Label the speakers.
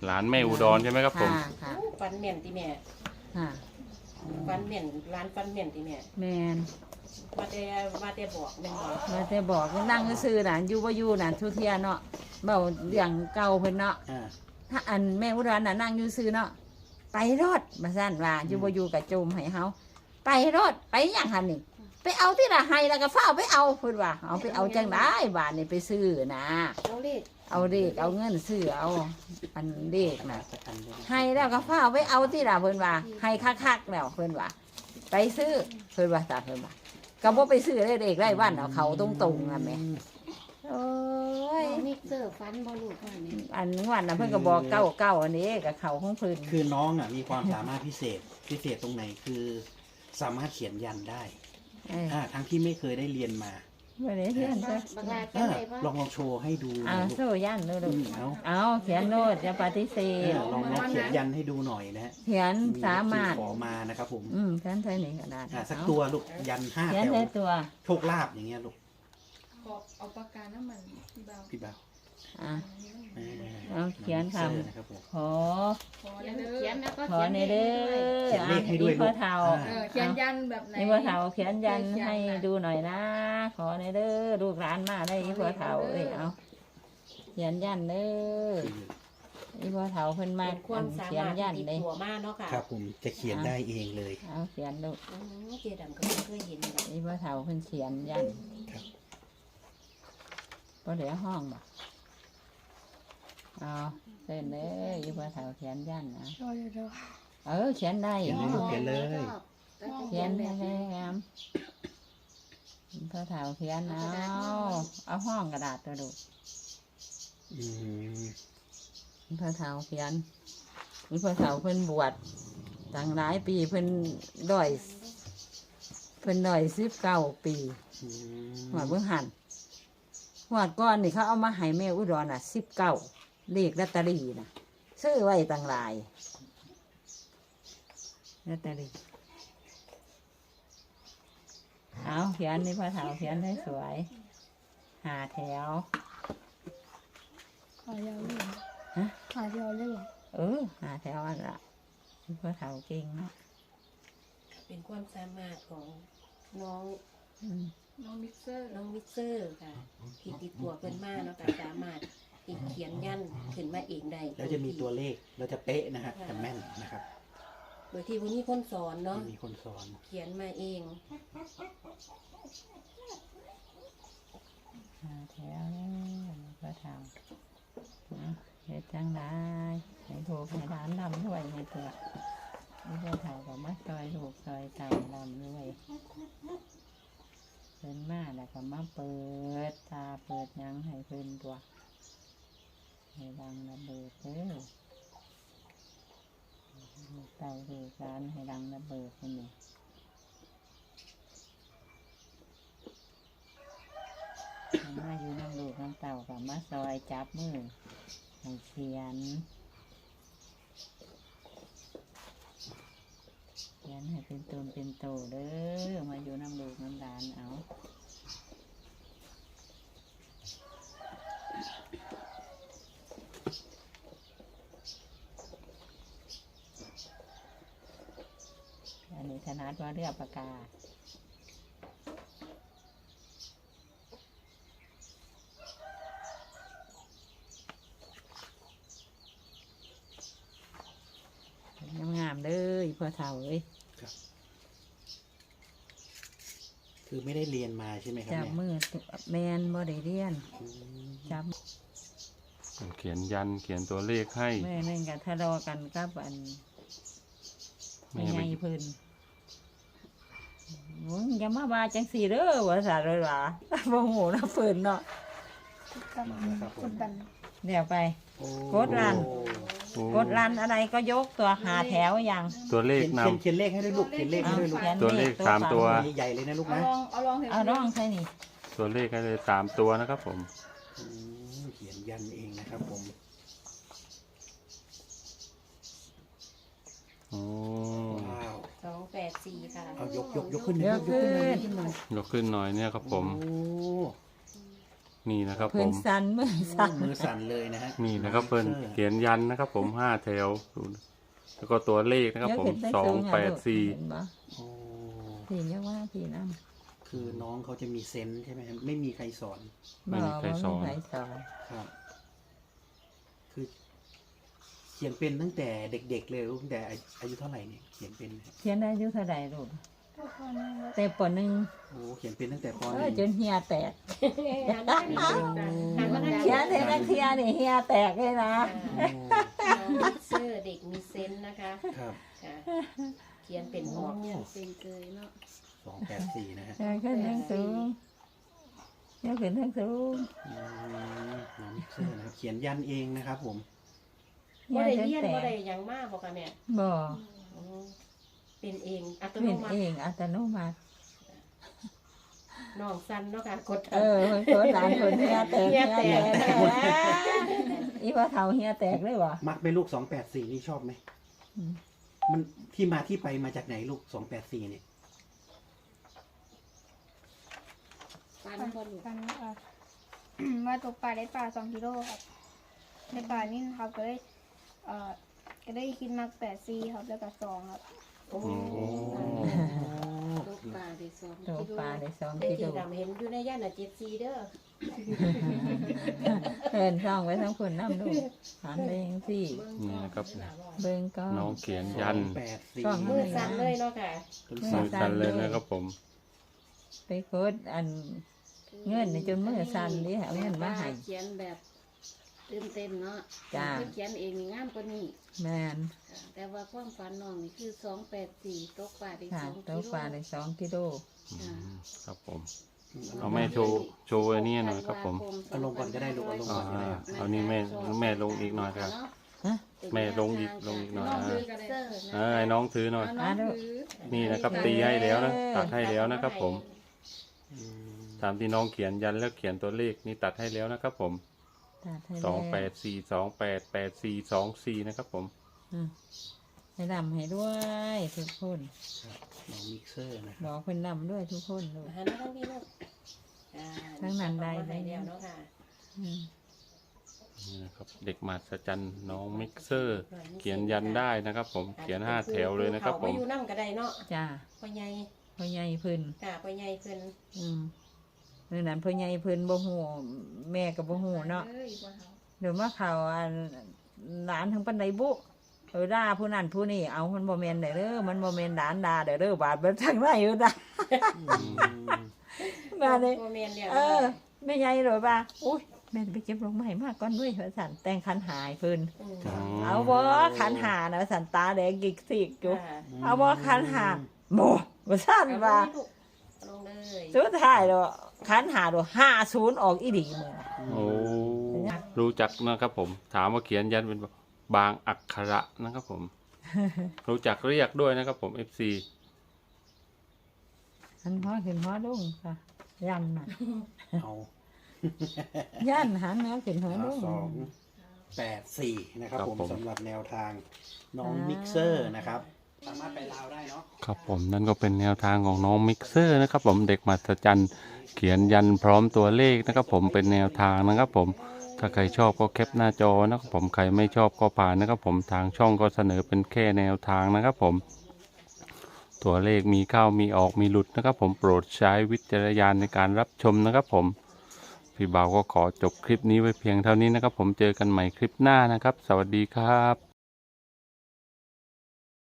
Speaker 1: หลานแม่อุดรใช่ไหมครับผม
Speaker 2: ค่ะ
Speaker 3: ฟันเหม็นที่แม่
Speaker 2: ค่ะ
Speaker 3: ฟันเหม็นร้านฟันเหม็นที่แม่
Speaker 2: แมน
Speaker 3: มาแต่บอกแม่นบอก
Speaker 2: มาแต่บอกนั่งซื่อๆน่ะอยู่บ่อยู่น่ะทุเทียเนาะเบาเรื่องเก่าเพิ่นเนาะ
Speaker 4: อ่า
Speaker 2: ถ้าอันแม่อุดรน่ะนั่งอยู่ซื่อเนาะไปรถมาสั่นว่าอยู่บ่อยู่กับโจมให้เฮาไปรถไปหยังหั่นนี่ไปเอาที่ละให้แล้วก็ฟ้าวไปเอาเพิ่นว่าเอาไปเอาจังได๋บาดนี่ไปซื้อนะ
Speaker 3: เอาเลข
Speaker 2: เอาเด็กเอาเงินซื้อเอาอันเด็กน่ะ
Speaker 4: สักอันเลย
Speaker 2: ให้แล้วก็ฟ้าวไปเอาที่ละเพิ่นว่าให้คักๆแล้วเพิ่นว่าไปซื้อเพิ่นว่าตาเพิ่นว่าก็บ่ไปซื้อได้เด็กไร่วันเอาเขาตรงๆอ่ะแม่โอ้ย
Speaker 5: น้องมิกเซอร์ฟันบอลูกค่ะนี่
Speaker 2: อันวันน่ะเพิ่นก็บอกเก้าอันนี้กับเขาของเพิ่น
Speaker 4: คือน้องอ่ะมีความสามารถพิเศษตรงไหนคือสามารถเขียนยันได้ ทั้งที่ไม่เคยได้เรียนมา
Speaker 2: บ่ได้เรียนจ้ะ
Speaker 5: บักลา
Speaker 4: เอ
Speaker 5: จัง
Speaker 4: อ
Speaker 5: ไรบ้าง
Speaker 4: ลองโชว์ให้ดูหน่
Speaker 2: เอา
Speaker 4: อยลูก
Speaker 2: โซ่ยันโน่น
Speaker 4: เอา
Speaker 2: เอาเขียนโนดอย่าปฏิเส
Speaker 4: เอ
Speaker 2: ธ
Speaker 4: อลองเขียนยันให้ดูหน่อยนะฮะ
Speaker 2: เขียนสามารถ
Speaker 4: ขอมานะครับผม
Speaker 2: เขียนใส่นี่ก็ได้
Speaker 4: สักตัวลูกยัน5
Speaker 2: เขียน
Speaker 4: แถว
Speaker 2: ใส่ตัว
Speaker 4: โชคลาภอย่างเงี้ยลูก
Speaker 6: ขอเอาปากกาน้ำมันพี่เบา
Speaker 4: พี่บ่าว
Speaker 2: อ่ะ
Speaker 4: เออ
Speaker 2: เอาเขียนค
Speaker 4: เสื้อนะครับผม
Speaker 2: ำขอ
Speaker 6: ขอ
Speaker 5: เขียน
Speaker 6: เด้
Speaker 5: เขีย
Speaker 6: อน
Speaker 5: แล้วก็
Speaker 2: ขอ
Speaker 5: เขียน
Speaker 2: ในเด้อ
Speaker 4: เขียนเลขให้ด้วย
Speaker 2: พ่อเฒ่า
Speaker 4: ลูก
Speaker 6: เขียนยันแบบไหน
Speaker 2: นี่พ่อเฒ่าเขียนยันให้ดูหน่อยนะ ขอในเด้อลูกหลานมาได้อีพ่อเฒ่าเอ้ยเอาเขียนยันเด้ออีพ่อเฒ่าเพิ่นมา
Speaker 3: เป็นความสา
Speaker 2: เขียน
Speaker 3: มารถ
Speaker 2: ยัน
Speaker 3: ติด
Speaker 2: เลย
Speaker 3: ตัวมากเนาะค่ะ
Speaker 4: ครับผมจะเขียนได้เองเลย
Speaker 2: เอาเขียนลูก
Speaker 3: เจดํก็ไม่เคยเห็นเลย
Speaker 2: อีพ่อเฒ่าเพิ่นเขียนยัน
Speaker 4: ครับ
Speaker 2: บ่เหลือห้องบ่เอาเส้นเด้ออีพ่อเฒ่าเขียนยันนะเขียนได้
Speaker 4: เขียนเลยลูกเขียนเลย
Speaker 2: เขียนได้แล้วพ่อเฒ่าเขียนเอาห้องกระดาษตัวดู
Speaker 4: อืม
Speaker 2: พ่อเฒ่าเขียนมีพ่อเฒ่าเพิ่นบวชตั้งหลายปีเพิ่นด้อย19 ปี
Speaker 4: อืม
Speaker 2: หัวเบิ่งหันหัวดก้อนนี่เขาเอามาให้แม่อุดร19เลขลอตเตอรี่น่ะซื้อไว้ตั้งหลายลอตเตอรี่เอาเขียนนี่พ่อเฒ่าเขียนให้สวย5 แถว
Speaker 6: ขอยาวเลย
Speaker 2: ฮะ
Speaker 6: ขอยาวเลยเหรอ
Speaker 2: 5 แถวอันละนี่พ่อเฒ่าเก่งเนาะ
Speaker 3: เป็นความสามารถของน้อง
Speaker 2: อืม
Speaker 6: น้องมิกเซอร์
Speaker 3: น้องมิกเซอร์ค่ะที่ติดตัวเพิ่นมากเนาะค่ะสามารถติดเขียนยันขึ้นมาเองได้
Speaker 4: แล้วจะมีตัวเลขเราจะเป๊ะนะฮะจะแม่นนะครับ
Speaker 3: โดยที่วันนี้คนสอนเนาะ
Speaker 4: มีคนสอน
Speaker 3: เขียนมาเอง
Speaker 2: 5 แถวแล้วพ่อเฒ่าเฮ็ดจังไดให้ถูกให้ร้านลำด้วยให้เถอะนี่พ่อเฒ่าก็มาซอยลูกซอยเต่าลำด้วยเพิ่นมาแล้วก็มาเปิดตาเปิดหยังให้เพิ่นตัวให้ดังระเบิดเด้อลูกเต่าลูกหลานให้ดังระเบิดนี่มาอยู่น้ำลูกน้ำเต่ากับมาซอยจับมือให้เขียนให้เป็นตนเป็นโตเด้อมาอยู่น้ำลูกน้ำหลานเอาอันนี้ถนัดว่าเรือปากกางามๆเลยพ่อเฒ่าเอ้ย
Speaker 4: คือไม่ได้เรียนมาใช่ไหมครับ
Speaker 2: จับ
Speaker 4: เนี่ย
Speaker 2: มือแมนบ่ได้เรียน
Speaker 4: อืม
Speaker 2: จับ
Speaker 1: เขียนยันเขียนตัวเลขให้
Speaker 2: แม่นั่นกันทะเลาะกันกับอัน
Speaker 1: แม่
Speaker 2: ไม่
Speaker 1: ไป
Speaker 2: ไงเพิ่นมึงอย่ามาว่าจังสีเด้อว่าสาเลยหว่า บ่หูนะเพิ่นเนาะ
Speaker 4: มาแล้วครับผม
Speaker 2: เดี๋ยวไป
Speaker 4: โอ้
Speaker 2: กดรัน
Speaker 1: โอ้
Speaker 2: กดรันอะไรก็ยกตัวหาแถวอย่าง
Speaker 1: ตัวเลข
Speaker 4: เขียนเลขให้ด้วยลูกเขียนเลขให้ด้วยลูก
Speaker 2: ขียน
Speaker 1: ตัวเลข 3 ตัว
Speaker 4: ใหญ่ๆเลยนะลูก
Speaker 6: เอา
Speaker 4: นะ
Speaker 6: ลองเอาลองเถอะ
Speaker 2: เอาน้องใช่นี่
Speaker 1: ตัวเลขให้เลย3 ตัวนะครับผม
Speaker 4: อืมเขียนยันเองนะครับผม
Speaker 1: โอ้
Speaker 4: ว้าว
Speaker 3: 284ค่ะ
Speaker 4: เอายกขึ้นหน่อย
Speaker 2: เดี๋ยว
Speaker 4: ยก
Speaker 2: ขึ้
Speaker 4: ขึ้นหน่อย
Speaker 2: น
Speaker 1: ยกขึ้นหน่อยเนี่ยครับผม
Speaker 4: โอ้
Speaker 1: นี่นะครับผ
Speaker 2: เพิ่น
Speaker 1: ม
Speaker 2: สั่นมือสั่น
Speaker 4: มือสั่นเลยนะฮะ
Speaker 1: นี่นะครับเพิ่นเขียนยันนะครับผม5 แถวดูนะแล้วก็ตัวเลขนะครับผม
Speaker 2: เดี๋ยวขึ้นไปสูงอะลูก
Speaker 1: 284
Speaker 2: เห็นบ่
Speaker 4: โอ้
Speaker 2: พี่เนี่ยว่าพี่นำ
Speaker 4: คือน้องเขาจะมีเซนส์ใช่ไหมครับไม่มีใครสอน
Speaker 1: ไม่มีใครสอน
Speaker 2: บ่มีใครสอน
Speaker 4: ครับ คือเขียนเป็นตั้งแต่เด็กๆเลยตั้งแต่อายุเท่าไหร่เนี่ยเขียนเป็นนะครับ
Speaker 2: เขียนได้อายุเท่าใดลูก
Speaker 6: ทุกคนนะครับ
Speaker 2: แต่ปหนึ่ง
Speaker 4: โอ้เขียนเป็นตั้งแต่ป
Speaker 2: เอ
Speaker 4: ห
Speaker 2: อ
Speaker 4: นึ่ง
Speaker 2: จนเฮียแตก
Speaker 3: หันมาทาง
Speaker 2: เขียนเทนักเทียนี่เฮียแตกเลยนะ
Speaker 3: น้องมิกเซอร์เด็กมีเซนส์นะคะ
Speaker 4: ครับ
Speaker 3: ค่ะเขียนเป็นออก
Speaker 5: เป็นเกยเนาะ
Speaker 4: 284นะฮะ
Speaker 2: เดินขึ้นทั้งสูงยกขึ้นทั้งสูง
Speaker 4: น้องมิกเซอร์นะครับเขียนยันเองนะครับผม
Speaker 3: บ่ได้
Speaker 2: จน
Speaker 3: เรียน
Speaker 2: แต
Speaker 3: บ่
Speaker 2: ก
Speaker 3: ได้หยังมากบ่ค่ะแม่
Speaker 2: บ่
Speaker 3: อืมเป็นเองอัตโน
Speaker 2: เป็น
Speaker 3: มั
Speaker 2: เอ
Speaker 3: ติ
Speaker 2: งอัตโนมัติ
Speaker 3: น้องสั้นเนาะค่ะกด
Speaker 2: เออคนโสดหลานคนเฮียแตก
Speaker 3: เฮียแตก
Speaker 2: อีว่าเท่าเฮียแตกเลยวะ
Speaker 4: มักไหมลูก284นี่ชอบไหม
Speaker 2: อืม
Speaker 4: มันที่มาที่ไปมาจากไหนลูก284เนี่ย
Speaker 5: ฟันบ่ลูก
Speaker 6: กันว่าตกปลาได้ปลา2 กิโลครับได้ปลานี่ครับก็ได้ก็ได้คิดมัก8 4ครับแล้วก็2ครับ
Speaker 3: โอ้
Speaker 5: ตกปลาได้2
Speaker 2: ตัว
Speaker 5: กิโล
Speaker 2: ปลาได้2
Speaker 3: ได้
Speaker 2: กิ
Speaker 3: ที่
Speaker 2: โล
Speaker 3: ดำเห็นอยู่ในย่านน่ะ74เด้อ
Speaker 2: เพิ่นซ่องไว้ทั้งคนน้ำลูกหันไปจังซี่
Speaker 1: นี่นะครับ
Speaker 2: เบิ่งก็
Speaker 1: น้องเขียนยัน
Speaker 4: 284
Speaker 2: ช่อง
Speaker 3: มือสั่นเลยเนาะค่ะ
Speaker 1: มือสั่นเลยนะครับผม
Speaker 2: ไปโคตรอันเงินนี่จนมือสั่นดิเอาเงินมาให้
Speaker 5: เขียนแบบตื่นเต้นเนาะ
Speaker 2: จ้า
Speaker 5: เพิ่นเขียนเองนี่งามกว่านี้
Speaker 2: แม่น
Speaker 5: ค่ะแต่ว่าความฝันน้องนี่คือ284ตกปลาได้
Speaker 2: ค่ะ
Speaker 5: 2
Speaker 2: ตัว
Speaker 5: กิโล
Speaker 2: ปลาได้2 กิโล
Speaker 1: อืมครับผม เอาแม่โชว์ไอ้นี่หน่อยครับผม
Speaker 4: เอาลงก่อนก็ได้ลูกเอาลง
Speaker 1: อ่า
Speaker 4: ก่อนก็ได้
Speaker 1: เอานี่แม่ลงอีกหน่อยครับ แม่ลงอีกหน่อย
Speaker 6: น้อง
Speaker 1: นะ
Speaker 6: ถือกันเลย
Speaker 1: ให้น้องถือหน่อย
Speaker 6: น้องถือ
Speaker 1: นี่นะครับตีให้แล้วนะตัดให้แล้วนะครับผมตามที่น้องเขียนยันแล้วเขียนตัวเลขนี่ตัดให้แล้วนะครับผม
Speaker 2: ตัดให้แล้ว
Speaker 1: 284288424นะครับผม
Speaker 2: อืมให้นำให้ด้วยทุกคน
Speaker 4: น้องมิกเซอร์นะค
Speaker 2: บ
Speaker 4: รับ
Speaker 2: อกเพิ่นนำด้วยทุกคนลูก
Speaker 3: หันมาทางนี้ลูกอ่า
Speaker 2: ทั้งนั้นได้
Speaker 3: เอามาให้แล้วเนาะค่ะ
Speaker 2: อืม
Speaker 1: นี่นะครับเด็กมหัศจรรย์น้องมิกเซอร์ เขียนยันได้นะครับผมเขียน5 แถวเลยนะครับผม
Speaker 3: เขาอยู่นำก็ได้เนาะ
Speaker 2: จ้า
Speaker 3: พ่อใหญ่
Speaker 2: พ่อใหญ่เพิ่น
Speaker 3: ค่ะพ่อใหญ่เพิ่น
Speaker 2: อืมเมื่อนั้นพ่อใหญ่เพิ่นบ่ฮู้แม่ก็บ่ฮู้เนาะ
Speaker 6: เอ้ยว่าเขา
Speaker 2: เดี๋ยวมาเขาอันหลานทั้งปันไดบุด่าผู้นั้นผู้นี้เอามันบ่แม่นเด้อมันบ่แม่นหลานด่าเด้อบาดเบิดทางไหนอยู่ด่ามาเลย
Speaker 3: พ่อแม่นแล้ว
Speaker 2: เออแม่ใหญ่เลยว่าอุ้ยแม่ไปเก็บลงมาให้มากก่อนด้วยว่าซั่นแต่งขันหายเพิ่น
Speaker 3: ม
Speaker 2: เอาบ่ขันหานะว่าซั่นตาแดงกิกสิกอยู่
Speaker 3: ค่ะ
Speaker 2: เอาบ่ขันหาบ่ว่าซั่นว่า
Speaker 3: ลงเลย
Speaker 2: สุดท้ายแล้วขันหาdo 50ออกอีหลีมื้อ
Speaker 1: โอ้รู้จักนะครับผม ถามว่าเขียนยันเป็นบางอักขระนะครับผม รู้จักเรียกด้วยนะครับผม FC
Speaker 2: หันหัวขึ้นหัวลงค่ะยันน่ะ
Speaker 4: เอา
Speaker 2: ยันหันหัวขึ้นหัวลง
Speaker 4: 284นะครับ
Speaker 1: ครับ
Speaker 4: ผม
Speaker 1: ผม
Speaker 4: สำหรับแนวทางน้องมิกเซอร์นะครับสามารถไปลาวได้เนาะ
Speaker 1: ครับผมนั่นก็เป็นแนวทางของน้องมิกเซอร์นะครับผมเด็กมหัศจรรย์เขียนยันพร้อมตัวเลขนะครับผมเป็นแนวทางนะครับผมถ้าใครชอบก็แคปหน้าจอนะครับผมใครไม่ชอบก็ผ่านนะครับผมทางช่องก็เสนอเป็นแค่แนวทางนะครับผมตัวเลขมีเข้ามีออกมีหลุดนะครับผมโปรดใช้วิจารณญาณในการรับชมนะครับผมพี่บ่าวก็ขอจบคลิปนี้ไว้เพียงเท่านี้นะครับผมเจอกันใหม่คลิปหน้านะครับสวัสดีครับ